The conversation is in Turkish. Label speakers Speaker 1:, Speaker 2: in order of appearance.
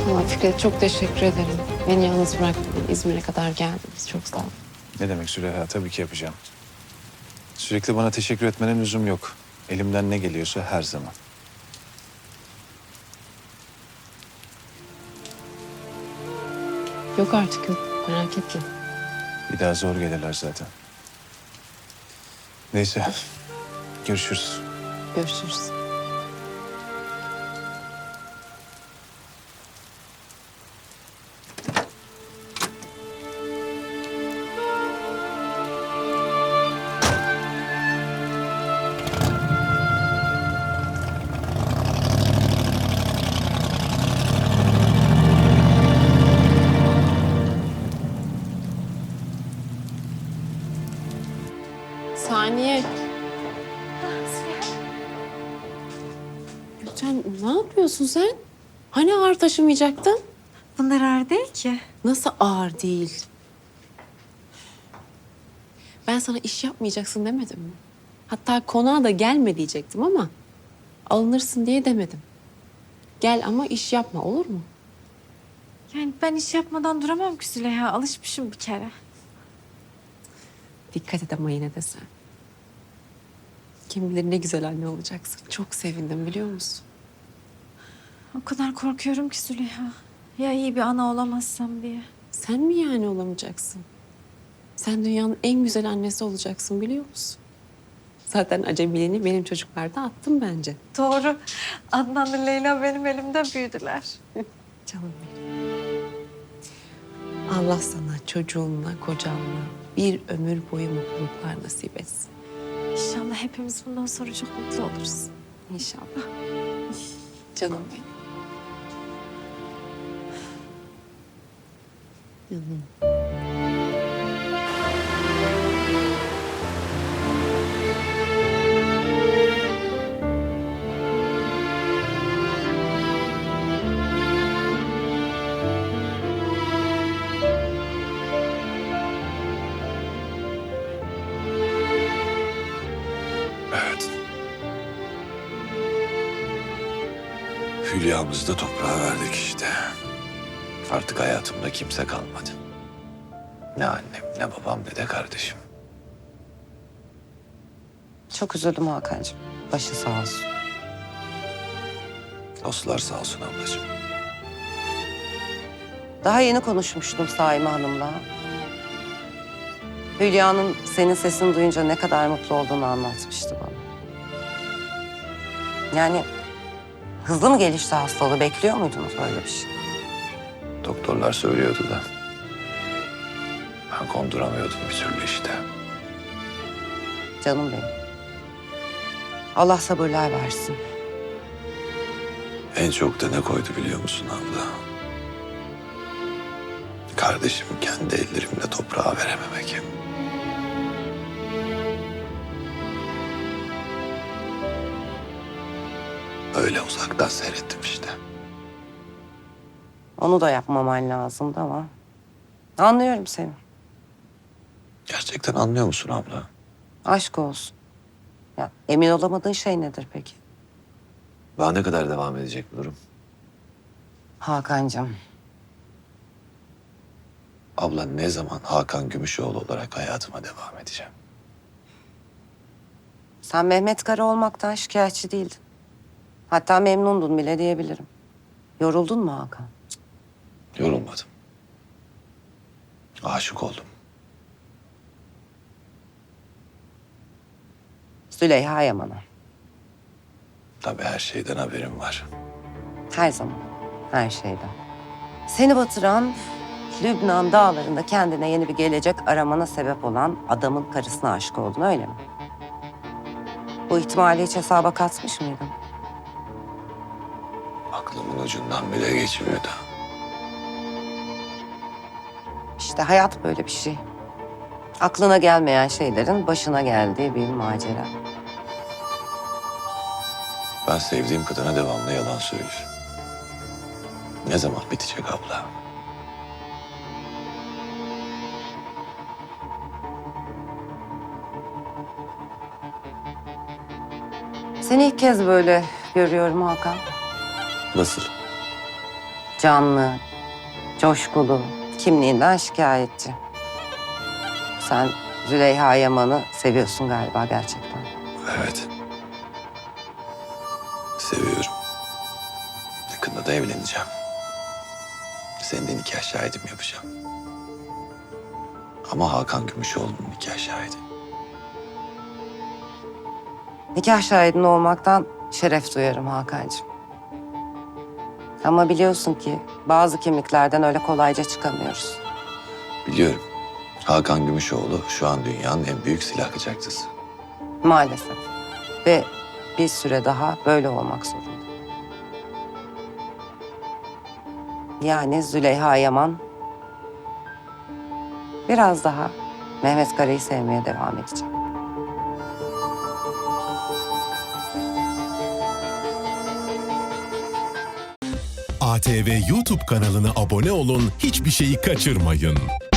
Speaker 1: Ama Fikret çok teşekkür ederim. Beni yalnız bırakmadın. İzmir'e kadar geldiniz. Çok sağ ol.
Speaker 2: Ne demek Züleyha? Tabii ki yapacağım. Sürekli bana teşekkür etmene lüzum yok. Elimden ne geliyorsa her zaman.
Speaker 1: Yok artık yok. Merak etme.
Speaker 2: Bir daha zor gelirler zaten. Neyse. Görüşürüz.
Speaker 1: Görüşürüz. Saniye. Gülten ne yapıyorsun sen? Hani ağır taşımayacaktın?
Speaker 3: Bunlar ağır değil ki.
Speaker 1: Nasıl ağır değil? Ben sana iş yapmayacaksın demedim mi? Hatta konağa da gelme diyecektim ama alınırsın diye demedim. Gel ama iş yapma, olur mu?
Speaker 3: Yani ben iş yapmadan duramam ki Züleyha. Alışmışım bir kere.
Speaker 1: Dikkat et ama yine de sen. Kim bilir ne güzel anne olacaksın. Çok sevindim biliyor musun?
Speaker 3: O kadar korkuyorum ki Züleyha. Ya iyi bir ana olamazsam diye.
Speaker 1: Sen mi yani olamayacaksın? Sen dünyanın en güzel annesi olacaksın biliyor musun? Zaten acemiliğini benim çocuklarda attım bence.
Speaker 3: Doğru. Adnan'la Leyla benim elimde büyüdüler.
Speaker 1: Canım benim. Allah sana çocuğunla, kocanla bir ömür boyu mutluluklar nasip etsin.
Speaker 3: İnşallah hepimiz bundan sonra çok mutlu oluruz.
Speaker 1: İnşallah. Canım benim. Canım.
Speaker 4: Evet. Hülyamızı da toprağa verdik işte. Artık hayatımda kimse kalmadı. Ne annem, ne babam, ne de kardeşim.
Speaker 5: Çok üzüldüm Hakan'cığım. Başı sağ olsun.
Speaker 4: Dostlar sağ olsun ablacığım.
Speaker 5: Daha yeni konuşmuştum Saime Hanım'la. Hülya'nın senin sesini duyunca ne kadar mutlu olduğunu anlatmıştı bana. Yani hızlı mı gelişti hastalığı? Bekliyor muydunuz böyle bir şey?
Speaker 4: Doktorlar söylüyordu da. Ben konduramıyordum bir türlü işte.
Speaker 5: Canım benim. Allah sabırlar versin.
Speaker 4: En çok da ne koydu biliyor musun abla? Kardeşimi kendi ellerimle toprağa verememek. Öyle uzaktan seyrettim işte.
Speaker 5: Onu da yapmaman lazımdı ama. Anlıyorum seni.
Speaker 4: Gerçekten anlıyor musun abla?
Speaker 5: Aşk olsun. Ya, emin olamadığın şey nedir peki?
Speaker 4: Daha ne kadar devam edecek bu durum?
Speaker 5: Hakan'cığım.
Speaker 4: Abla ne zaman Hakan Gümüşoğlu olarak hayatıma devam edeceğim?
Speaker 5: Sen Mehmet Kara olmaktan şikayetçi değildin. Hatta memnundun bile diyebilirim. Yoruldun mu Hakan?
Speaker 4: Yorulmadım. Aşık oldum.
Speaker 5: Züleyha Yaman'a.
Speaker 4: Tabii her şeyden haberim var.
Speaker 5: Her zaman. Her şeyden. Seni batıran, Lübnan dağlarında kendine yeni bir gelecek aramana sebep olan adamın karısına aşık oldun öyle mi? Bu ihtimali hiç hesaba katmış mıydın?
Speaker 4: Aklımın ucundan bile geçmiyordu.
Speaker 5: İşte hayat böyle bir şey. Aklına gelmeyen şeylerin başına geldiği bir macera.
Speaker 4: Ben sevdiğim kadına devamlı yalan söylüyorum. Ne zaman bitecek abla?
Speaker 5: Seni ilk kez böyle görüyorum Hakan.
Speaker 4: Nasıl?
Speaker 5: canlı, coşkulu, kimliğinden şikayetçi. Sen Züleyha Yaman'ı seviyorsun galiba gerçekten.
Speaker 4: Evet. Seviyorum. Yakında da evleneceğim. Senin de nikah şahidim yapacağım. Ama Hakan Gümüşoğlu'nun nikah şahidi.
Speaker 5: Nikah şahidin olmaktan şeref duyarım Hakan'cığım. Ama biliyorsun ki bazı kimliklerden öyle kolayca çıkamıyoruz.
Speaker 4: Biliyorum. Hakan Gümüşoğlu şu an dünyanın en büyük silahlıcakçısı.
Speaker 5: Maalesef. Ve bir süre daha böyle olmak zorunda. Yani Züleyha Yaman biraz daha Mehmet Kara'yı sevmeye devam edecek.
Speaker 6: ATV YouTube kanalına abone olun, hiçbir şeyi kaçırmayın.